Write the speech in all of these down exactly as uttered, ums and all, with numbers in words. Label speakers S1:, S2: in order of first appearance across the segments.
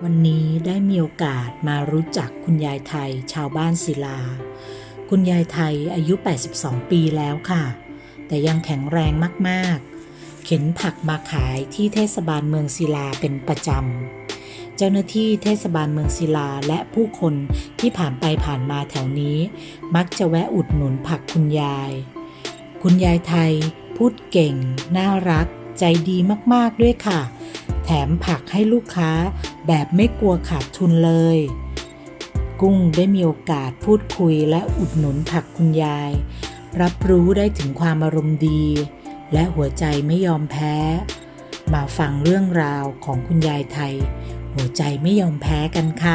S1: วันนี้ได้มีโอกาสมารู้จักคุณยายไทยชาวบ้านศิลาคุณยายไทยอายุแปดสิบสองปีแล้วค่ะแต่ยังแข็งแรงมากๆเข็นผักมาขายที่เทศบาลเมืองศิลาเป็นประจำเจ้าหน้าที่เทศบาลเมืองศิลาและผู้คนที่ผ่านไปผ่านมาแถวนี้มักจะแวะอุดหนุนผักคุณยายคุณยายไทยพูดเก่งน่ารักใจดีมากๆด้วยค่ะแถมผักให้ลูกค้าแบบไม่กลัวขาดทุนเลยกุ้งได้มีโอกาสพูดคุยและอุดหนุนผักคุณยายรับรู้ได้ถึงความอารมณ์ดีและหัวใจไม่ยอมแพ้มาฟังเรื่องราวของคุณยายไทยหัวใจไม่ยอมแพ้กันค่ะ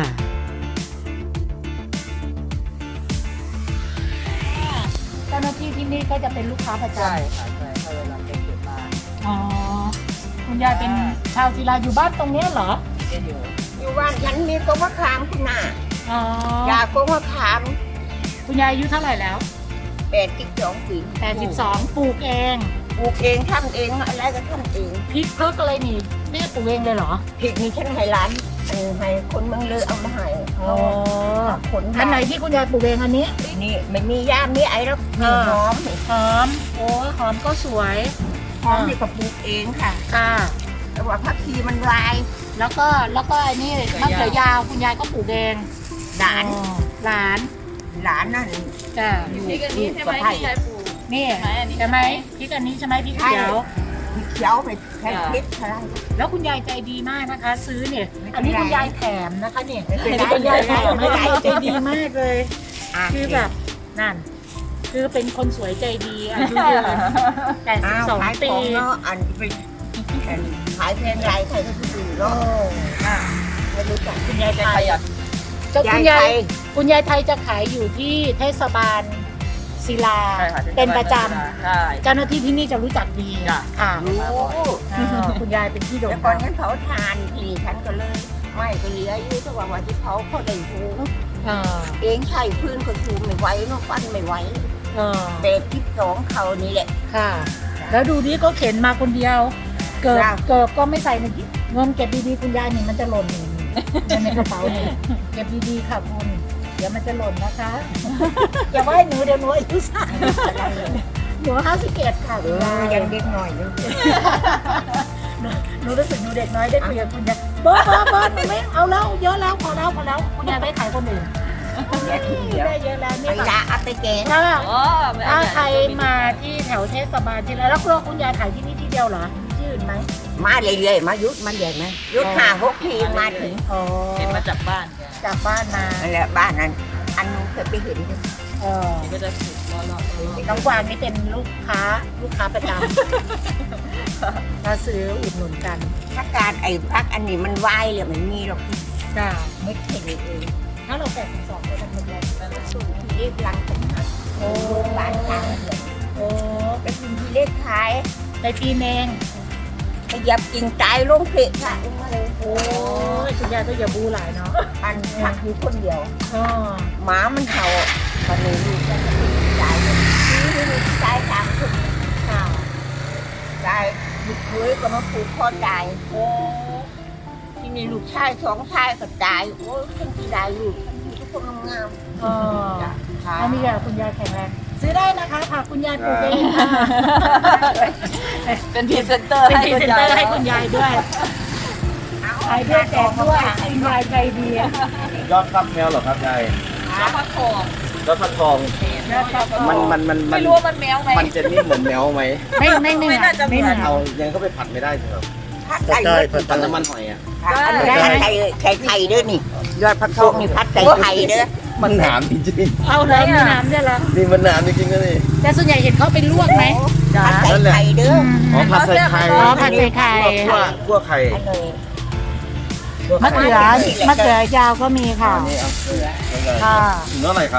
S1: เจ้าหน้าที่ที่นี่ก็จะเป็นลูกค้าประจำ
S2: ใช่ค่ะใช่เขาเวลาไปเก็บมา
S1: อ๋อคุณยายเป็นชาวศิลาอยู่บ้านตรงนี้เหรอ
S2: จะอยู่
S3: อยู่บ้านฉันมีกงมะขามคุณน่ะ
S1: อ๋อย
S3: ากงมะขาม
S1: คุณยายอายุเท่าไหร่แล้ว
S3: แปดสิบสองปี
S1: แปดสิบสองปลูกเอง
S3: ปลูกเองทำเองอะไรก็ทำเอง
S1: พริกเพิกอะไรนี่นี่ปลูกเองเลยเหรอ
S3: พริกนี่ฉันให้ร้านเออให้คนเมืองเลยเอามาให้
S1: อ๋อ
S3: คน
S1: อันไหนที่คุณยายปลูกเองอันนี้
S3: นี่ไม่มียามีไอ้แล้วมีหอมนี่
S1: หอมโอ้หอมก็สวย
S3: หอมนี่ก็ปลูกเองค่ะ
S1: ค่ะ
S3: แต่ว่าผักชีมันลาย
S1: แล้วก็แล้วก็อันนี้มะเขือยาวคุณยายก็ปลูกเอง
S3: หลาน
S1: อ๋อหลาน
S3: หลานนั่น
S1: จ้ะ
S3: อยู่
S2: พริกอันนี้ใช่ไหมที่ยายปลูก
S1: นี่
S2: ใช่อันนี้
S1: ใช่ไหมพริกอันนี้ใช่ไหมพริกเขียว
S3: มีเขียวไปแค่พริกอะไร
S1: แล้วคุณยายใจดีมากนะคะ ซื้อเนี่ย
S3: ไม่เป็นไร
S1: อันนี้คุณยายแถมนะคะเนี่ย
S3: ไม่เป็นไร
S1: คุณยายแถม
S3: ไม่เป็นไร
S1: ใจดีมากเลย
S3: อ่ะ
S1: คือแบบนั่น คือเป็นคนสวยใจดีอายุเยอะแปดสิบ
S3: อ้าว
S1: สอง
S3: ขายข
S1: ปี
S3: องเนาะอันเป็นอันขายเพลงไรใครก็ดู
S1: โอ้
S3: เนาะไม่รู้จัก
S1: คุณยาย
S2: จะ
S1: ไท
S2: ข
S1: ย
S2: ยับ
S1: เจ้าคุณยาย
S3: ยายไทย
S1: คุณยายไทยจะขายอยู่ที่เทศบาลศิลา
S2: ใช่ค่ะ
S1: เป็นประจ
S2: ใช่
S1: ำเจ้าหน้าที่ที่นี่จะรู้จักดี
S2: จ้ะ
S1: ค่ะ
S3: รู้
S1: อ่าคุณยายเป็นที่โด่ง
S3: แล้วก่อ
S1: ดั
S3: น
S1: ง
S3: ฉันเผาทานทีฉันก็เลยไม่ก็เหลืออยู่แต่ว่าวันที่เผาเขาได้หู
S1: อ่า
S3: เองใช้พื้นก็ชูไม่ไหวเนาะฟันไม่ไหว
S1: อ่า
S3: เป็ดที่สองเขานี่แหละ
S1: ค่ะ แล้วดูนี่ก็เข็นมาคนเดียว เกิบ
S3: จ้ะ
S1: เกิบก็ไม่ใส่ในเงินเก็บดีๆคุณยายนี่มันจะหล่นนี่นี่ในกระเป๋านี่เก็บดีๆค่ะคุณเดี๋ยวมันจะหล่นนะคะ อย่าว่าให้หนูเดี๋ยวหนูอายุสั้นหนูห้าสิบเอ็ดค่ะ
S3: เอ
S1: คุณยา
S3: อย ยังเด็กหน่อยอยู่
S1: หนูรู้สึกหนูเด็กน้อยได้คุยกับคุณยายบอสบอสบอสหนูไม่เอาแล้วเยอะแล้วพอแล้วพอแล้วคุณยายไปขายคนอื่นได้เยอะแล้วนี่
S3: ไอ้
S1: ค่ะ
S3: ยาเอาไปแกง
S1: ถ้า
S2: อ๋อไม่
S1: ถ้า
S2: เอา
S1: ใครมาที่แถวเทศบาลที่ไรแล้วคุณคุณยายขายที่นี่ที่เดียวเหรอที่อื่นไหม
S3: มาเรื่อยๆมายุดมาเรื่อยไหมยุดห้าหกทีมาถึง
S1: อ๋อ
S2: เห็นมาจากบ้าน
S1: จากบ้านมา
S3: นั่นแหละบ้านนั้นอันนู้นเคยไปเห็นอยู่
S1: เออ
S2: ก็จะสุดรอรอรอ
S1: น้องกวางนี่เป็นลูกค้าลูกค้าประจำ มาซื้ออุดหนุนกัน
S3: พักการไอ้พักอันนี้มันวายเลยมันมีหรอก
S1: จ้า
S3: ไม่เห็นเอง
S1: ถ้าเราแปดสิบสองก็ทำเป็นไร
S3: สูงที่เล็กลังเป็นหัก
S1: โอ้
S3: บ้านทางเดือน
S1: โอ้
S3: ไปกินที่เล็กขาย
S1: ในปีเอง
S3: ไปเหยับกินใจลงเพลค่ะลงมาเลย
S1: โอ้ยคุณยายก็อย่าบูหลายเนาะ
S3: อันพักอยู่คนเดียว
S1: อ๋อ
S3: หมามันเห่าตอนนี้ลูกจะไปใจเลยนี่ลูกใจตามทุก
S1: ค่ะ
S3: ใจลูกเคยก็มาผูกคอตายโอ้ที่นี่ลูกชายสองชายก็ตายโอ้ยทั้งที่ได้ลูกทั้งที่ทุกคนงาม
S1: อ๋อ
S3: ๆ
S1: อันนี้ค่ะคุณยายแข็งแรงซื้อได้นะคะค่ะคุณยายปลูกเองค่ะ
S2: เป็นพรีเซนเตอร์
S1: เป็น
S2: ให้
S1: พรี
S2: คุณ
S1: เซน
S2: ยา
S1: เต
S2: ย
S1: อร์ให้คุณยายด้วยขายด้วยแจกด้วยคุณยายใจดี
S4: ยอดฟักแมวเหรอครับยาย
S2: แล้วพักทอง
S4: ยอดฟักทอง มันมันมันมั
S2: ไม่
S4: น
S2: รู้ว่ามันแมวไหม
S4: มันจะนิ่มเหมือนแมวไหม
S1: ไม่ไม่ไม่
S2: ไม่น่าจะ
S1: ไม่เหมือน
S4: เอายังก็ไปผัดไม่ได้ใช่ไหมครับ
S3: พัดไก่เด้อ
S4: ผัดน้ำมันหอยอ่ะ
S3: อันนี้พัดไก่ไก่ไข่เด้อนี่ ยอดพักทองนี่พัดไก่ไข่เด้อ
S4: มันหนามจริง
S1: เอาเลยมีน้ำด้วยเหรอ
S4: ๆนี่มันหนามจริงๆนะนี่
S1: แต่ส่วนใหญ่เห็นเขาเป็นลวกไหม
S3: พัดไก่ไข่เด้อ
S4: อ๋อผัดใส่ไข่
S1: อ๋อผัดใส่ไข่
S4: คั่วคั่วไข่
S3: อันนี้
S1: มะเขือมะเขือยาวก็มีค่ะ
S4: อันนี้เอาเกลือแล้วก็
S1: ค่ะ
S4: ถึงเท่าไหร่ครับ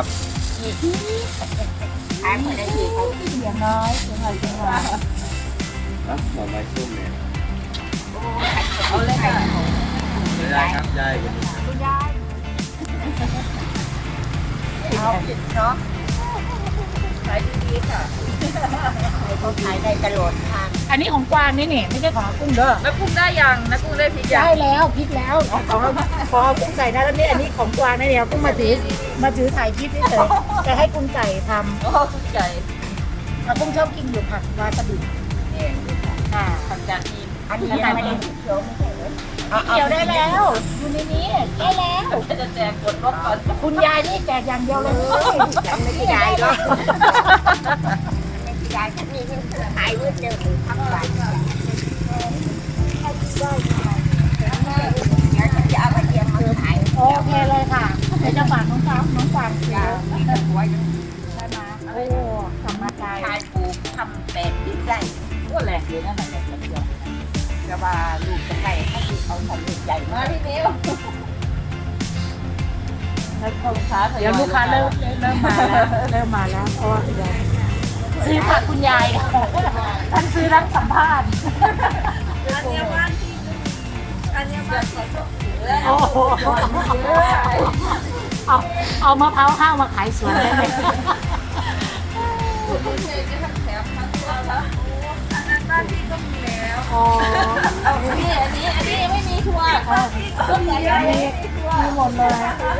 S3: ขายคนละทีเขา
S1: เสียงน้อยเสียงหน่อยเสียงหน่อย
S4: อ่ะหน่อไม้ส้มเนี่ย
S2: เอาเลยค่ะ
S4: ไม่ได้ครับยาย
S1: คุณยาย
S3: เอาผิดเนาะ
S2: ขายายดีๆค่ะ
S3: เขาขายได้ตลอดทาง
S1: อันนี้ของกวางนี่นี่ไม่ใช่ของกุ้งเด้อ
S2: นักกุ้งได้ยังนักกุ้งได้พริกยัง
S1: ได้แล้วพริกแล้วของของพอกุ้งใส่ได้แล้วนี่อันนี้ของกวางนะเนี่ยกุ้งมาถือมาถือถ่ายคลิปเฉยๆจะให้กุ้งใส่ท
S2: โอ้กุ้งไก่
S1: ำแล้วกุ้งชอบกินอยู่ผักวาซาบิ
S2: เนี่ย
S1: ค่ะ
S2: ทำจานนี้
S3: อันนี้ยังไม่ได้เขียวไม่ใช่เหรอ
S1: เกี่ยวได้แล้วอยู่ในนี้ได้แล้ว
S2: ก็จะแจกกดรถก่อน
S1: คุณยายนี่แจกอย่างเดียวเลย
S3: ยังไม่ได้หรอกไม่ได้ฉันมีเงินขายเงินเดิมทั้งวันเดี๋ยวฉันจะเอามาเลี้ยงมาขาย
S1: โอเคเลยค่ะเดี๋ยวจะฝากน้องฟ้าน้องฟางซื้อ
S3: มีแต่หัวยัง
S1: ใช่ไหมโอ้สำนักใจ
S3: ชายปลูกทำเป็ดดิ้นได้
S2: ก็แหลกเลยนั่นแหละแบบเดียว
S3: แต่ว่าลูกจะไก่เขาคือเขาทำลูกใหญ่
S2: มา
S3: มา
S2: พี่นิ้วแล้วลูกค้า
S1: เดี๋ยวลูกค้าเริ่มเริ่มมาแล้วเริ่มมาแล้วเพราะว่าเดี๋ยวซื้อผักคุณยายท่านซื้อทั้งสัมภาษณ์
S2: อันนี้บ้านที่อันนี้บ้านที่ก็ถือ
S1: โอ้โหเอาเอามะพร้าวห้าวมาขายสวนได้ไหม
S2: คุณเชยจะทำแถมทั้งตัวแล้วอันนั้นบ้านที่ก็มีแล้ว
S1: อ๋อ
S2: เอาพี่อันนี้อันนี้ไม่มีทัวร์ต้นใหญ่ๆไม่มีทัวร์
S1: มีหมดเลย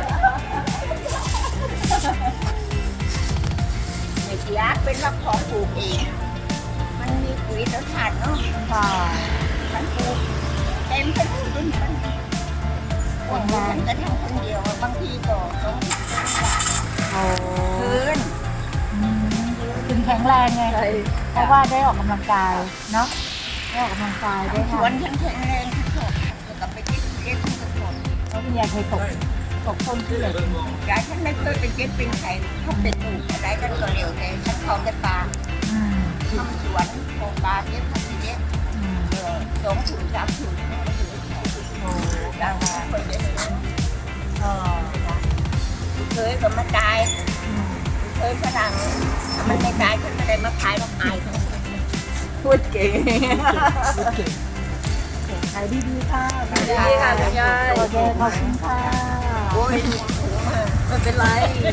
S3: ไม่เสียเป็นว่าของปลูกเองมันมีปุ๋ยแล้วขาดเนาะ
S1: ค่ะ
S3: มันปลูกเต็มไปหมดเลยมันคนมันจะทำคนเดียวบางทีก็ต้อง
S1: โอ้
S3: คืน
S1: ถึงแข็งแรงไงเพราะว่าได้ออกกำลังกายเนาะได้ออกกำลังกายได้
S3: ส
S1: ค่ะ
S3: วนฉันแข็งแรงที่สุดแล้วก็ไปเก็บเก็บที่สุด
S1: เพราะคุณยายเคยตกตกต้นที่เหล็ก
S3: ยายฉันไม่เคยไปเก็บเป็นไข่ถ้าเป็นปลูกอะไรกันก็เร็วแต่ฉันเขาแต่ปลา
S1: อืม
S3: ทำสวนปลูกปลาเก็บทำเก็บ
S1: อืม
S3: เออสองถุงสามถุงไม่ถึง
S1: โอ้
S3: ดังนั้นคนเยอะ
S1: เออ
S3: เคยก็มาตาย
S1: อืม
S3: เคยฝรั่งมันไม่ตายฉันไม่ได้มาขายมาขาย
S2: พูดเก่ง
S1: พูดเก่งเก่งขายดีๆค่ะ
S2: ดีค่ะคุณยาย
S1: โอเคขอบคุณค่ะ
S3: โอ้ย
S2: ไม่เป็นไร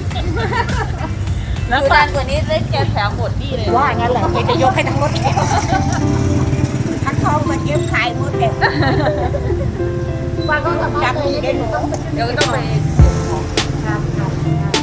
S2: แล้วนานกว่านี้ได้แกแถมหมดนี่เลย
S1: ว่างั้นแหละเดี๋ยวจะยกให้ทั้งรถแก
S3: ถ้าเขามาเก็บขายหมดเลย
S1: ว่าก็สามารถ
S3: จำ
S1: เลย
S3: ได้หนู
S2: เดี๋ยวต้องไป
S1: ครับครับ